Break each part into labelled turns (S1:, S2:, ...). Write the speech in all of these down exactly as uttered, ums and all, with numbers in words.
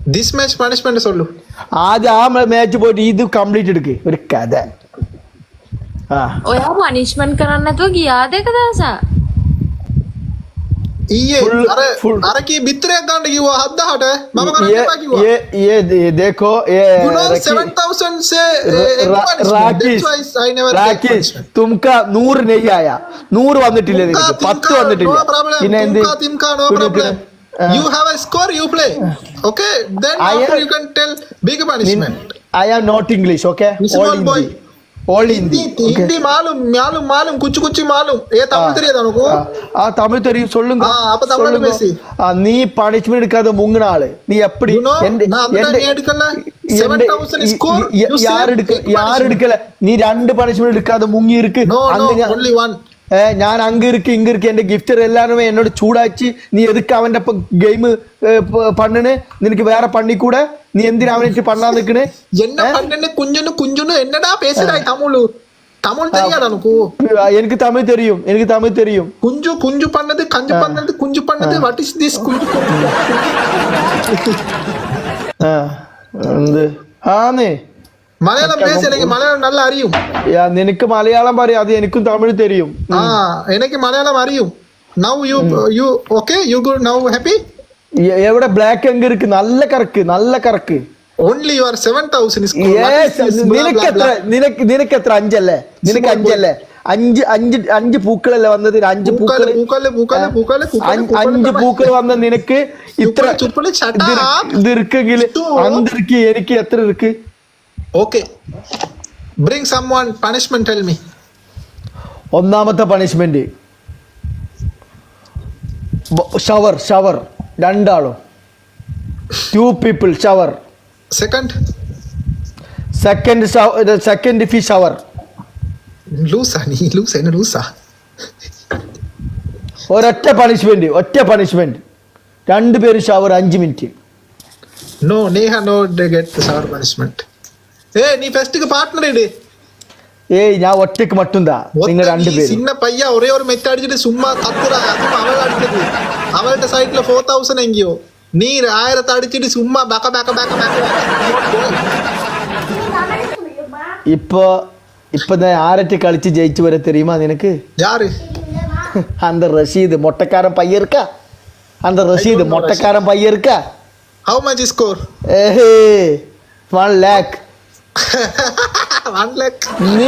S1: this match punishment sollu
S2: ആദ്യം ആ match പോയിട്ട് ഇത് കംപ്ലീറ്റ് എടുക്ക് ഒരു കഥ ആ
S3: ඔයා punishment කරන්න නැතුව ගියාද එක දවසක්
S1: ඊයේ අර අර කී බිත්තරයක් ගන්න කිව්වා හත් දහසට මම කරන්න එපා කිව්වා
S2: ये ये ये देखो ये
S1: you know seven thousand से
S2: राकेश राकेश तुमका नूर नहीं आया नूर വന്നിട്ടില്ല നിനക്ക് പത്ത് വന്നിട്ടില്ല പിന്നെ എന്ത്
S1: no problem you have a score you play okay then after you can tell big punishment
S2: I am not English okay
S1: all boy
S2: all Hindi
S1: hindi मालूम मालूम मालूम कुछ कुछ मालूम ये तमिल தெரியாதா உனக்கு
S2: ஆ தமிழ் தெரியும் சொல்லுங்க
S1: ஆ அப்ப தமிழ்ல பேசி
S2: நீ பனிஷ்மென்ட் எடுக்காத முங்குன ஆளு நீ எப்படி
S1: நான் எடுக்கல seven thousand score
S2: யார் எடுக்க யார் எடுக்கல நீ ரெண்டு பனிஷ்மென்ட் எடுக்காத முங்கி இருக்கு
S1: அங்க only one
S2: ഞാൻ അങ്ങ് ഇருக்கு ഇങ്ങ് ഇருக்கு എന്റെ ഗിഫ്റ്റർ എല്ലാരുമേ എന്നോട് ചൂടാച്ചി നീ എതുക്ക് അവന്റെ ഗെയിം പണ്ണിന് നിനക്ക് വേറെ പണ്ണിക്കൂടെ നീ എന്തിനാ അവനെ പണ്ണാൻ നിക്കണേ
S1: എന്നെ പണ്ണിന് കുഞ്ഞുന് കുഞ്ഞുന് എന്നടാ പേசுறாய் தமிழ் தமிழ் தெரியாதா உனக்கு
S2: എനിക്ക് തമിഴ് தெரியும் എനിക്ക് തമിഴ് தெரியும்
S1: കുഞ്ചു കുഞ്ചു പണ്ണത് കഞ്ചു പണ്ണത് കുഞ്ചു പണ്ണത് വാട്ട് ഈസ് ദിസ് കുഞ്ചു
S2: ആ എന്ത് ആന്നേ
S1: മലയാളം പേശലെങ്കിൽ മലയാളം നല്ല അറിയും
S2: നിനക്ക് മലയാളം പറയാം അത് എനിക്കും തമിഴ് தெரியும்
S1: ആ എനിക്ക് മലയാളം അറിയും now you you okay you good now happy
S2: എവിടെ ബ്ലാക്ക് എങ്ക് ഇருக்கு നല്ല കറക്ക് നല്ല കറക്ക്
S1: only you are seven thousand is
S2: നിനക്ക് എത്ര നിനക്ക് നിനക്ക് എത്ര അഞ്ചല്ലേ നിനക്ക് അഞ്ചല്ലേ അഞ്ച് അഞ്ച് അഞ്ച് പൂക്കളല്ലേ വന്നത് അഞ്ച് പൂക്കൾ അഞ്ച് പൂക്കൾ വന്ന നിനക്ക് ഇത്ര ഇത് ഇരിക്കെങ്കിൽ അന്തിരിക്ക് എനിക്ക് എത്ര ഇருக்கு
S1: okay bring someone punishment tell me
S2: ഒന്നാമത്തെ പണിഷ്മെന്റ് ഷവർ ഷവർ രണ്ടാളും two people shower
S1: second
S2: second second fish shower
S1: ലൂസാ നീ ലൂസാ എന്നെ ലൂസാ
S2: ഒരൊറ്റ പണിഷ്മെന്റ് ഒറ്റ പണിഷ്മെന്റ് രണ്ടുപേരും ഷവർ അഞ്ച് minute
S1: no neha no they get the shower punishment ഏയ് നീ ഫെസ്റ്റിക്ക് പാർട്ട്ണർ ഇട്
S2: ഏയ് ഞാൻ ഒറ്റക്ക് മട്ടുന്താ നിങ്ങൾ രണ്ടുപേരും
S1: சின்ன பையா ஒரே ஒரு மெட் அடிச்சிட்டு சும்மா கத்துறா அதுவும் அவள் அடிச்சது அவள்கிட்ட சைட்ல ஃபோர் தௌசண்ட் எங்கேயோ நீ ஆயிரத்தை அடிச்சிட்டு சும்மா பக்க பக்க பக்க பக்க
S2: இப்போ இப்போ நான் ஆரட்டி கழிச்சு ஜெயிச்சு வர தெரியுமா எனக்கு
S1: யாரு
S2: அந்த ரஷீது மொட்டைக்காரன் பையன் இருக்கா அந்த ரஷீது மொட்டைக்காரன் பையன் இருக்கா
S1: how much score
S2: ஏஹே one lakh
S1: one lakh
S2: നീ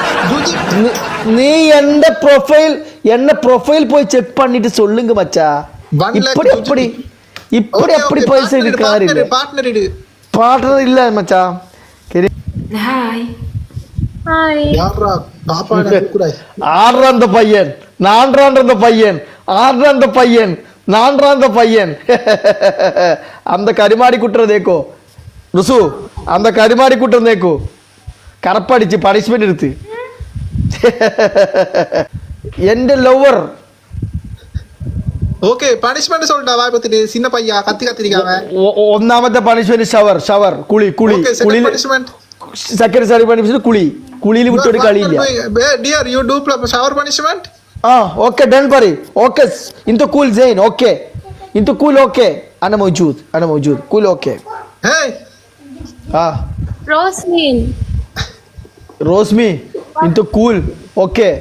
S2: നീ എന്റെ പ്രൊഫൈൽ എന്നെ പ്രൊഫൈൽ പോയി ചെക്ക് பண்ணிட்டு சொல்லுங்க மச்சா இப்படி அப்படி இப்படி அப்படி பைசா இருக்காரு
S1: பார்ட்னர் இடு
S2: பார்ட்னர் இல்ல மச்சா
S3: ஹாய் ஹாய்
S1: யாரா பாப்பாடா குக்குறாய்
S2: ஆடுற அந்த பையன் நான்றான்ற அந்த பையன் ஆடுற அந்த பையன் நான்றான்ற அந்த பையன் அந்த கரிமாடி குட்டுற தேக்கோ ருசு அந்த கரிமாடி குட்டுற தேக்கோ கரப்படிச்சு பனிஷ்மெண்ட் எடுத்து എന്റെ ലവർ
S1: ഓക്കേ പണിഷ്മെന്റ് சொல்டா வாய் பத்திட்டு சின்ன பையா கத்தி கத்திரிக்காம
S2: ഒന്നാമത്തെ പണിഷ്മെന്റ് ഷവർ ഷവർ കുളി കുളി കുളി സെക്കൻഡ് സാരി പണിഷ്മെന്റ് കുളി കുളിയിൽ വിട്ടൊരു കളിയില്ല
S1: dear you do shower punishment
S2: ആ ഓക്കേ ഡൺ പറയ് okay انت cool زين okay انت cool okay انا موجود انا موجود cool okay
S1: hey
S2: ആ
S3: Rosmin
S2: Rosmi انت cool okay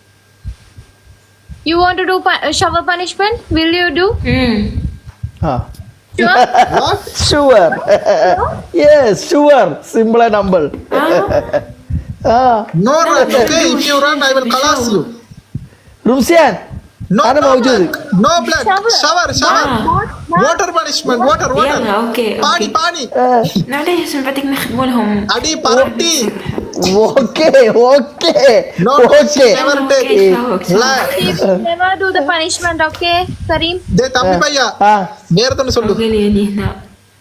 S3: You want to do pu- shower punishment? Will you do?
S4: Hmm.
S2: Ah.
S3: Sure?
S1: what
S2: Sure. Yes, sure. Simple and humble. Ah.
S1: no run okay if you run I will collapse you
S2: Rumsian.
S1: no
S2: Ana
S1: no
S2: mawjood.
S1: black, no black
S3: Shower.
S1: shower shower
S4: Ah.
S1: water punishment water water
S4: يلا اوكي
S1: pani
S4: اوكي
S1: pani
S4: معليش بدك نخدموا لهم
S1: adi parati
S2: Okay, okay.
S1: no
S2: Okay.
S1: never take
S3: Never do the punishment, okay, Kareem?
S1: de tambi bhaiya
S2: Ah.
S1: வேறதொன்னு சொல்லு
S4: قولي لي هنا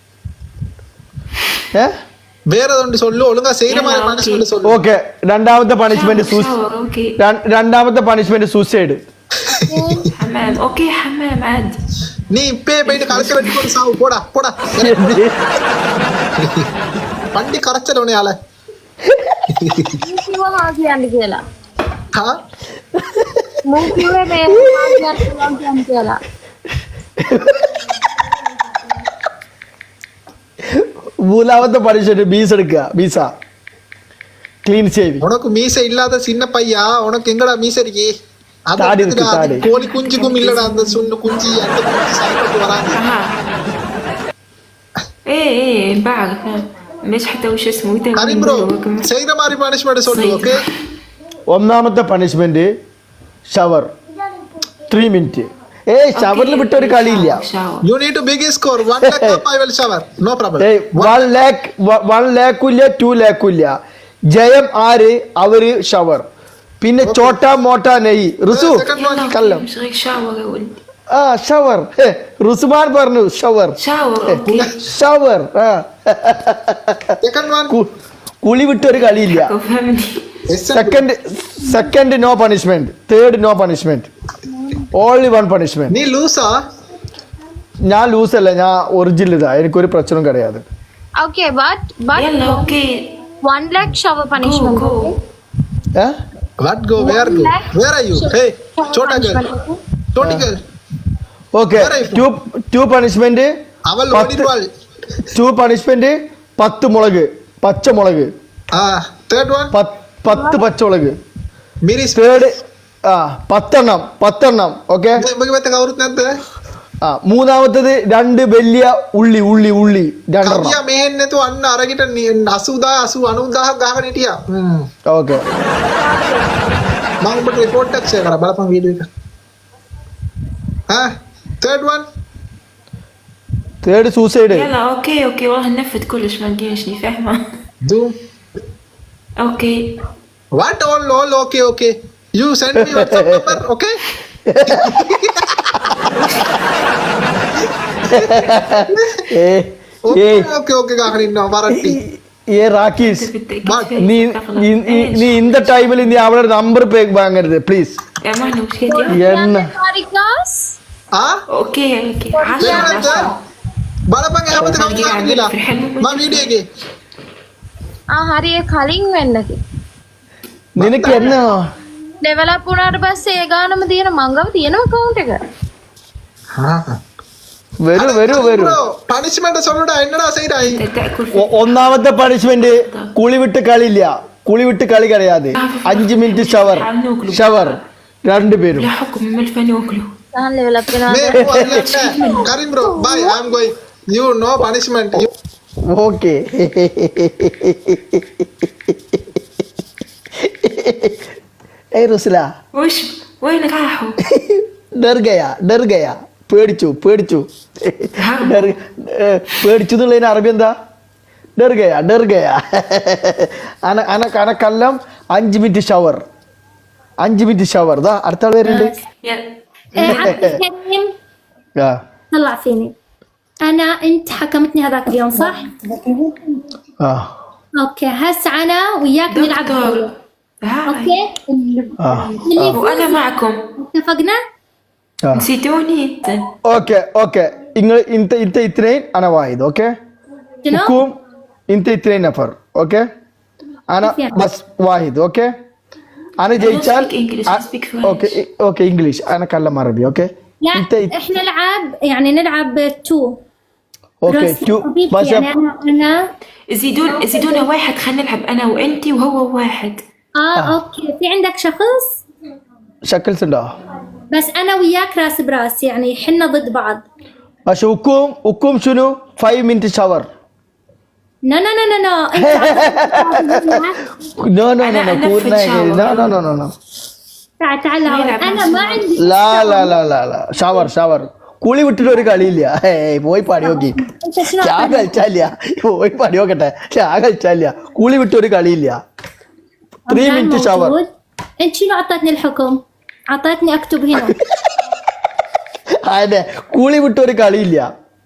S2: Eh?
S1: വേറതൊന്ന് சொல்லு ഒളുങ്ങാ ചെയ്യണ மாதிரி punishment சொல்லு
S2: Okay. രണ്ടാമത്തെ punishment
S4: shower اوكي
S2: രണ്ടാമത്തെ punishment suicide
S4: حمام اوكي حمام عاد
S1: നീ ഇപ്പേ പോയിട്ട് കളിക്ക വെട്ടിക്കൊണ്ട് സാവ് പോടാ പോടാ പണ്ടി കറച്ചലോണേ ആളെ
S3: කිව්ව හා කියන්න කියලා.
S1: හා
S3: මම කිව්වේ මේ හා කියන්න කියලා.
S2: മൂന്നാമത്തെ പണിഷ്മെന്റ് ബീസ് എടുക്കുക ബീസ ക്ലീൻ ഷേവിങ്.
S1: உனக்கு மீசை இல்லாத சின்ன பையா உனக்கு எங்கடா மீசை இருக்கே அது
S2: தாடி இருக்கு,
S1: இருக்குடா, அது
S2: தாடி.
S1: கோழி குஞ்சுக்கும் இல்லடா அந்த சுண்ணு குஞ்சு அந்த குஞ்சு சாப்பிட்டு வராங்க.
S4: اها ايه ايه بعرف ليش حتى وش اسمه يتم
S1: கரீம் ப்ரோ செய்யற மாதிரி பனிஷ்மெண்ட் சொல்லு ஓகே.
S2: ഒന്നാമത്തെ പണിഷ്മെന്റ് ഷവർ ത്രീ മിനിറ്റ്. ഏയ് ഷവറിൽ വിട്ട ഒരു കളിയില്ല.
S4: شاور
S1: You need to big score one lakh up I will shower no problem.
S2: ഏയ് വൺ ലാക്ക് വൺ ലാക്കും ഇല്ല ടു ലാക്കും ഇല്ല. ജയം ആര് അവര് ഷവർ. പിന്നെ ചോട്ടാ മോട്ടാ നെയ് റുസു
S1: second one.
S2: കല്ലം
S4: مش غير شاور يا ولد
S2: ആ ഷവർ. റുസുമാൻ പറഞ്ഞു ഷവർ
S4: شاور اوكي
S2: ഷവർ. ആ
S1: Second one.
S2: കു- കുളി വിട്ട ഒരു കളിയില്ല.
S4: فهمني
S2: second second no punishment. Third no punishment. Only one punishment.
S1: നീ ലൂസാ
S2: ഞാൻ ലൂസ് അല്ല, ഞാൻ ഒറിജിനൽ ഇതാ, എനിക്കൊരു പ്രശ്നം കിടയാതെ.
S3: Okay, but but
S4: يلا اوكي
S3: one lakh shower
S4: جو
S3: punishment.
S4: جو
S2: ഏ
S1: what go where go where are you hey chota girl choti girl
S2: okay two two punishment.
S1: അവൾ
S2: പത്ത്
S1: ഓടിവാൾ.
S2: ടു പണിഷ്മെന്റ് പത്ത് മുളക് പച്ചമുളക്
S1: ആ third one
S2: പത്ത് പത്ത് പച്ചമുളക്.
S1: मेरी
S2: തേർഡ് ആ പത്തെണ്ണം പത്തെണ്ണം ഓക്കെ.
S1: बघ बघ कवरत नाही
S2: ആ മൂന്നാമത്തത് രണ്ട് വലിയ ഉള്ളി ഉള്ളി ഉള്ളി രണ്ടെണ്ണം.
S1: කවියා මෙහෙන්නේ තෝ අන්න අරගෙන අසූදා අසූ අනූදාහක් ගහගෙන හිටියා. හ්ම්.
S2: ഓക്കെ
S1: මම ඔබට report එකක් share කරා බලපන් වීඩියෝ එක. ها third one
S2: third suicide.
S4: يلا اوكي اوكي والله نفذ كلش ما نجيشني فاهمه
S1: do
S4: اوكي
S1: what all all okay okay you send me WhatsApp number okay
S2: ഏ ഏ
S1: okay okay okay ගහගෙන ඉන්නවා වරට්ටි.
S2: ഏ റാക്കീസ്
S1: But
S2: നീ നീ- നീ- നീ இந்த ടൈമിൽ നീ അവളുടെ നമ്പർ പേക്ക് വാങ്ങരുത് പ്ലീസ്.
S4: يا مانو وش كده
S2: എണ്ണ
S3: Harikas?
S1: ආ
S4: اوكي اوكي
S1: දෙන්නත්
S4: عشرة
S1: බලපන් හැමත කවුරුත් කියලා මම වීඩියෝ එකේ
S3: ආ හරි ඒ කලින් වෙන්නකි.
S2: നിനക്ക് എന്നാ
S3: ඩෙවලොප් වුණාට පස්සේ ඒ ගානම තියෙන මංගව තියෙනවා account එක.
S2: വരൂ വരൂ വരൂ.
S1: പണിഷ്മെന്റ് சொல்லுடா என்னடா செய்றாய்
S4: تاكل
S2: ഒ- ഒന്നാമത്തെ പണിഷ്മെന്റ് കുളി വിട്ട് കളിയില്ല. കുളി വിട്ട് കളി കഴിയാതെ അഞ്ച് മിനിറ്റ് ഷവർ ഷവർ രണ്ടുപേരും.
S4: لا حكم من الفن واكله
S3: ගහන් ඩෙවලොප්
S1: මේ
S3: වෙනවා.
S1: කරිම් bro bye I am going you no punishment you
S2: okay hey റുസ്ല
S4: وش وين راحوا
S2: ഡർ ഗയാ ഡർ ഗയാ പേടിച്ചു പേടിച്ചു ഡർ ഏ, പേടിച്ചു എന്നുള്ളതിന് അറബി എന്താ? ഡർ ഗയാ ഡർ ഗയാ. അന അന അനക്കെല്ലാം അഞ്ച് മിനിറ്റ് ഷവർ അഞ്ച് മിനിറ്റ് ഷവർ. ദാ അടുത്ത ആൾ വരുന്നുണ്ട്.
S4: يلا
S5: إيه، عبد الكريم
S2: ആ
S5: طلع فيني انا انت حكمتني هذاك اليوم صح
S2: ആ
S5: اوكي هسه انا وياك نلعب
S4: دكتور
S5: جولة.
S4: هاي
S5: اوكي
S2: ആ
S5: اللي
S4: وانا
S5: يفوز
S4: معكم
S5: اتفقنا
S2: ആ
S4: نسيتوني انت
S2: ഓക്കെ ഓക്കെ നിങ്ങൾ ഇന്നത്തെ ഇന്നത്തെ ഇത്രയും അനവായത് okay.
S5: شنو
S2: حكوم انت اثنين نفر اوكي. انا بس واحد اوكي. انا جيتشال
S4: speak English, I speak French.
S2: اوكي اوكي انجلش انا اتكلم عربي اوكي.
S5: لا
S2: انت
S5: احنا نلعب يعني نلعب تو
S2: اوكي
S5: بس
S2: تو
S5: حبيبتي
S2: بس
S5: يعني انا انا
S4: زيدون زيدونا واحد خلينا نلعب انا وانتي وهو واحد
S5: اه اوكي في عندك شخص
S2: شكل سندا
S5: بس انا وياك راس براس يعني حنا ضد بعض.
S2: بس حكوم حكوم شنو خمسة مينت شاور.
S5: نو نو نو نو نو انت
S2: نو نو نو
S4: أنا
S2: نو
S4: أنفذ
S2: كورنا
S4: شاور.
S2: نو نو نو نو نو
S5: تعال تعال هون.
S4: نلعب
S5: انا
S4: نفس
S5: ما
S4: الوقت.
S5: عندي
S2: لا لا لا لا لا shower shower. കുളി വിട്ടിട്ട് ഒരു കളിയില്ല. ഏയ് പോയി പാടി നോക്കി.
S5: انت شنو
S2: ഞാൻ കളിച്ചാലില്ല. പോയി പാടി നോക്കട്ടെ. ഞാൻ കളിച്ചാലില്ല. കുളി വിട്ട് ഒരു കളിയില്ല. Three
S5: رمضان
S2: minute shower.
S5: موجود. انت شنو اعطيتني الحكم؟ اعطيتني اكتب هنا.
S2: അതെ കുളി വിട്ട് ഒരു കളിയില്ല.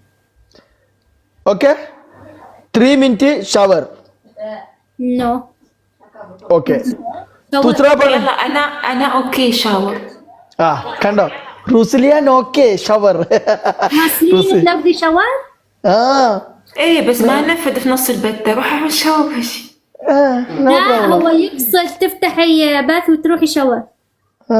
S2: Okay three minute shower.
S5: نو
S2: okay
S5: شاور.
S2: തുസ്ര പറ.
S4: يلا انا انا اوكي شاور
S2: ആ കണ്ടോ റുസ്ലിയാൻ ഓക്കെ ഷവർ.
S5: ناسين نبدي شاور؟
S2: ആ
S4: ايه بس ما نفذ في نص البتة روح اعمل شاور ماشي
S2: ആ, no
S5: لا
S2: problem.
S5: هو يقصد تفتحي باث وتروحي شاور.
S2: ആ.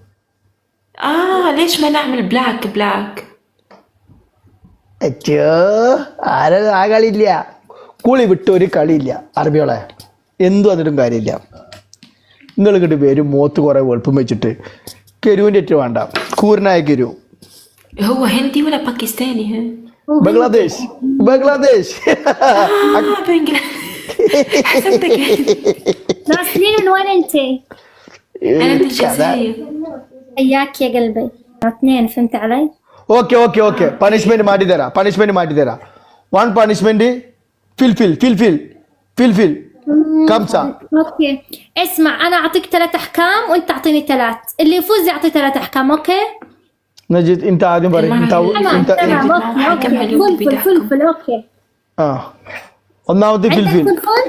S4: اه ليش ما نعمل بلاك بلاك
S2: അച്ഛോ ആരും ആ കളിയില്ല. കുളി വിട്ട് ഒരു കളിയില്ല അറബിയോളെ എന്തും അതിട്ടും കാര്യമില്ല. നിങ്ങൾ ഇങ്ങോട്ട് വരും മോത്ത് കുറേ വെളുപ്പം വെച്ചിട്ട് കെരുവിൻ്റെ ഏറ്റവും വേണ്ട കൂരനായ കെരു.
S4: هو هندي ولا باكستاني ها؟
S2: Bangladesh Bangladesh
S4: آه بنجلاديش. حسبتك
S5: ناسلين من وين انت؟
S4: انا من الجزائر.
S5: اياك يا قلبي اثنين فهمت علي؟
S2: Okay okay okay punishment മാറ്റി തരാം പണിഷ്മെന്റ് മാറ്റി തരാം വൺ പണിഷ്മെന്റ് ഫിൽ ഫിൽ ഫിൽ ഫിൽ ഫിൽ ഫിൽ കംസ.
S5: اوكي اسمع انا اعطيك ثلاث احكام وانت تعطيني ثلاث اللي يفوز يعطي ثلاث احكام اوكي؟
S2: നജീദ് ഇൻത ആദ്യം പറയും ഇൻത
S5: تمام
S2: ഇൻത
S5: تمام اوكي اوكي فلفل فلفل اوكي
S2: ആ ഒന്നാമത്തെ ഫിൽ
S5: عندك
S2: ഫിൽ
S5: فلفل؟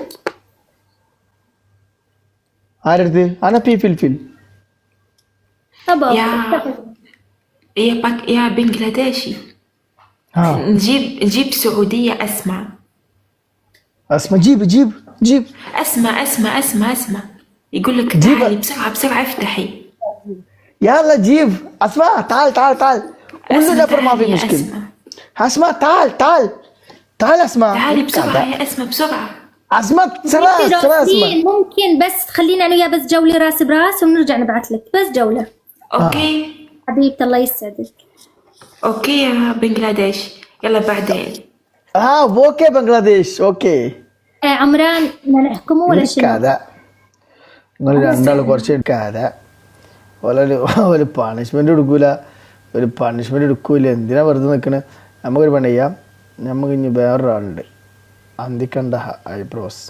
S2: ആരടുത്ത് അനപ്പി ഫിൽ ഫിൽ
S5: طب
S4: يا يا باك يا بنجلاديشي.
S2: ആ
S4: نجيب نجيب سعودية أسمع.
S2: اسمع جيب جيب جيب
S4: أسمع أسمع أسمع أسمع يقول لك
S2: جيب.
S4: تعالي بسرعة بسرعة افتحي.
S2: يلا جيب اسمع تعال تعال تعال كل
S4: أسمع
S2: نفر ما في
S4: تعالي يا
S2: مشكلة.
S4: أسمع.
S2: اسمع تعال تعال تعال اسمع
S4: تعالي بسرعة يا أسمع بسرعة.
S2: اسمع سرع
S5: انت
S2: سرع اسمع
S5: راسين ممكن بس خلينا انا وياه بس جولة راس براس ونرجع نبعث لك بس جولة.
S4: أوكي
S5: حبيبتي الله يسعدك.
S4: أوكي يا بنجلاديش يلا بعدين.
S2: اه اوكي بنغلاديش اوكي
S5: آه عمران بدنا نحكمه ولا شنو؟
S2: كذا നിങ്ങൾ രണ്ടാൾ കുറച്ച് എടുക്കാതെ ഒരു ഒരു പണിഷ്മെന്റ് എടുക്കൂല ഒരു പണിഷ്മെന്റ് എടുക്കൂല എന്തിനാ വെറുതെ നിൽക്കണേ. നമുക്കൊരു പണി ചെയ്യാം. നമുക്ക് ഇനി വേറൊരാളുണ്ട് അന്തിക്കണ്ട ഐബ്രോസ്.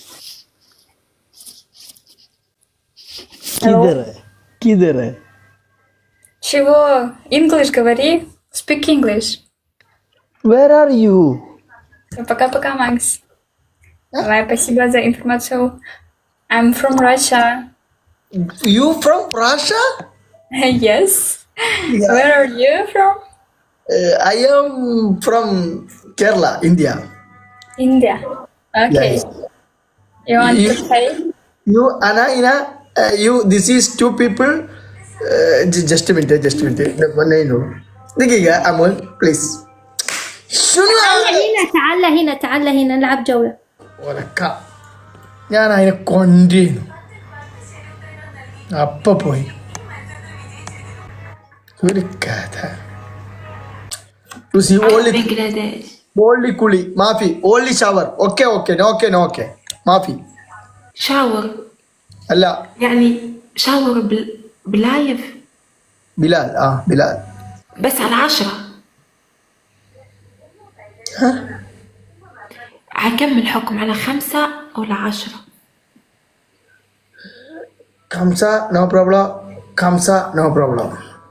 S2: കിതറ കിതറ
S6: Чего? English говори. Speak English.
S2: Where are you
S6: Пока-пока, Макс. Давай, спасибо за информацию. I'm from Russia.
S1: You from Russia?
S6: Yes. Where are you from?
S1: I am from Kerala, India.
S6: India. Okay.
S1: Yes.
S6: You want
S1: You-
S6: to say?
S1: You, Anna, Ina, uh, you, this is two people. Uh, j- just a minute, just a minute. No, one I know. دقيقة أمول, please. شنو
S5: تعال
S1: هذا؟
S5: هنا تعال هنا تعال هنا نلعب جولة.
S1: ഒലക്ക. ഞാൻ അതിനെ കൊണ്ടിരുന്നു. അപ്പൊ പോയി ഒരു കഥ. You see,
S4: آه
S1: only,
S4: بنجلاديش.
S1: only കുളി മാഫി, only shower. Okay, okay, no, okay, no, okay. മാഫി
S4: شاور
S1: അല്ല
S4: يعني شاور بال... بلايف
S1: ബിലാൽ. ആ ബിലാൽ.
S4: بس على عشرة. عكمل حكم على خمسة ولا عشرة.
S1: കംസ നോ പ്രോബ്ലം, കംസ നോ പ്രോബ്ലം.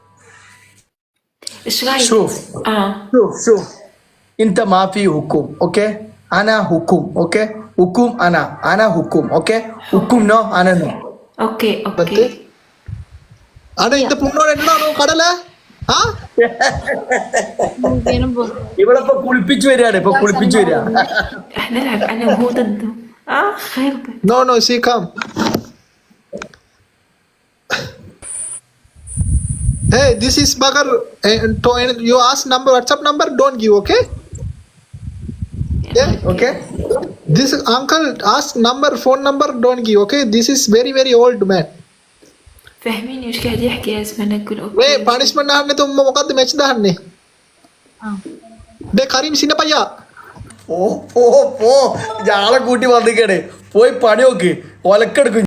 S4: ايش رايك؟
S1: شوف
S4: اه
S1: شوف شوف انت ما في حكم. اوكي انا حكم. اوكي حكم انا انا حكم. اوكي حكم نو انا نو.
S4: اوكي
S1: പത്ത്.
S4: اوكي.
S1: അതെ ഇത് പുണ്ണോട് എന്നാണോ കടല? ആ ഇവളിപ്പോ കുളിപ്പിച്ചു വരികയാണ്, ഇപ്പൊ കുളിപ്പിച്ചു വരിക.
S4: رح نلعب انا وهو ضده. اه خربت.
S1: നോ നോ സി കം. Hey, this is Bagar. Uh, to, you ask number, WhatsApp number, don't give, okay? Yeah, okay. This uncle ask number, phone number, don't give, okay? This is very, very old man.
S4: فاهميني ايش قاعد يحكي يا اسمع نقول اوكي.
S1: Hey, punishment na hanne to mukad match da hanne. De Karim Sinapaya. ഓ ഓ ഓ ഇയാളെ കൂട്ടി വന്നിക്കണേ, പോയി പണി നോക്ക്, ഒലക്കെടുക്കും.